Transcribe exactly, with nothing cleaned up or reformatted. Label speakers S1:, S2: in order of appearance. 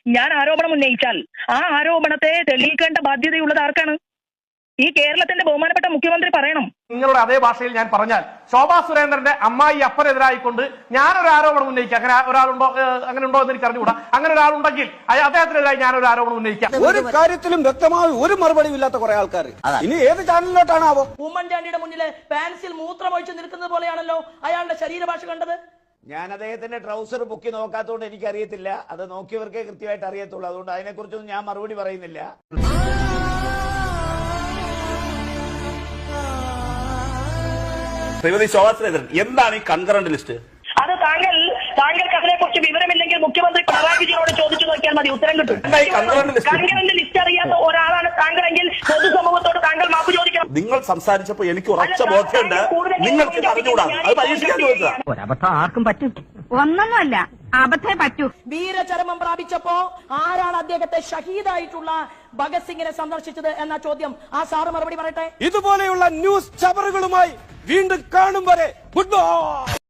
S1: ഞാൻ ആരോപണം ഉന്നയിച്ചാൽ ആ ആരോപണത്തെ തെളിയിക്കേണ്ട ബാധ്യതയുള്ളത് ആർക്കാണ്? ഈ കേരളത്തിന്റെ ബഹുമാനപ്പെട്ട മുഖ്യമന്ത്രി പറയണം.
S2: നിങ്ങളുടെ അതേ ഭാഷയിൽ ഞാൻ പറഞ്ഞാൽ ശോഭാ സുരേന്ദ്രന്റെ അമ്മായി അപ്പനെതിരായിക്കൊണ്ട് ഞാനൊരു ആരോപണം ഉന്നയിക്കാം. അങ്ങനെ ഒരാളുണ്ടോ, അങ്ങനെ ഉണ്ടോ എന്ന് എനിക്ക് അറിഞ്ഞുകൂടാ. അങ്ങനെ ഒരാളുണ്ടെങ്കിൽ അദ്ദേഹത്തിനെതിരായി ഞാനൊരു ആരോപണം ഉന്നയിക്കാം.
S3: ഒരു കാര്യത്തിലും വ്യക്തമായ ഒരു മറുപടിയും ഇല്ലാത്ത കുറെ ആൾക്കാർ ഇനി ഏത് ചാനലിലോട്ടാണാവോ?
S4: ഉമ്മൻചാണ്ടിയുടെ മുന്നില് പാൻസിൽ മൂത്രമൊഴിച്ച് നിൽക്കുന്നത് പോലെയാണല്ലോ അയാളുടെ ശരീരഭാഷ കണ്ടത്.
S5: ഞാൻ അദ്ദേഹത്തിന്റെ ട്രൗസർ പൊക്കി നോക്കാത്തതുകൊണ്ട് എനിക്കറിയത്തില്ല. അത് നോക്കിയവർക്കേ കൃത്യമായിട്ട് അറിയത്തുള്ളൂ. അതുകൊണ്ട് അതിനെക്കുറിച്ചൊന്നും ഞാൻ മറുപടി പറയുന്നില്ല.
S6: ശ്രീമതി ശോഭാ സുരേന്ദ്രൻ, എന്താണ് ഈ കൺകറന്റ് ലിസ്റ്റ്?
S1: അത് താങ്കൾ താങ്കൾക്ക് അതിനെക്കുറിച്ച് വിവരമില്ലെങ്കിൽ മുഖ്യമന്ത്രി പിണറായി വിജയനോട് ചോദിച്ചു നോക്കിയാൽ മതി, ഉത്തരം കിട്ടും. കൺകറന്റ് ലിസ്റ്റ് അറിയാത്ത ഒരാളാണ് താങ്കളെങ്കിൽ പൊതുസമൂഹത്തോട് താങ്കൾ മാപ്പ് ചോദിക്കണം.
S6: നിങ്ങൾ സംസാരിച്ചപ്പോ എനിക്ക് ഉറച്ച ബോധ്യമുണ്ട് നിങ്ങൾക്ക് അറിഞ്ഞുകൂടാ. അത് പരീക്ഷിക്കാൻ ചോദിക്കുക.
S7: ഒരബദ്ധം ആർക്കും പറ്റും. ഒന്നൊന്നുമല്ല, അബദ്ധേ പറ്റൂ.
S4: വീരചരമം പ്രാപിച്ചപ്പോ ആരാണ് അദ്ദേഹത്തെ ഷഹീദായിട്ടുള്ള ഭഗത് സിംഗിനെ സന്ദർശിച്ചത് എന്ന ചോദ്യം ആ സാറ് മറുപടി പറയട്ടെ.
S3: ഇതുപോലെയുള്ള ന്യൂസ് ചവറുകളുമായി വീണ്ടും കാണും വരെ ഗുഡ് ബൈ.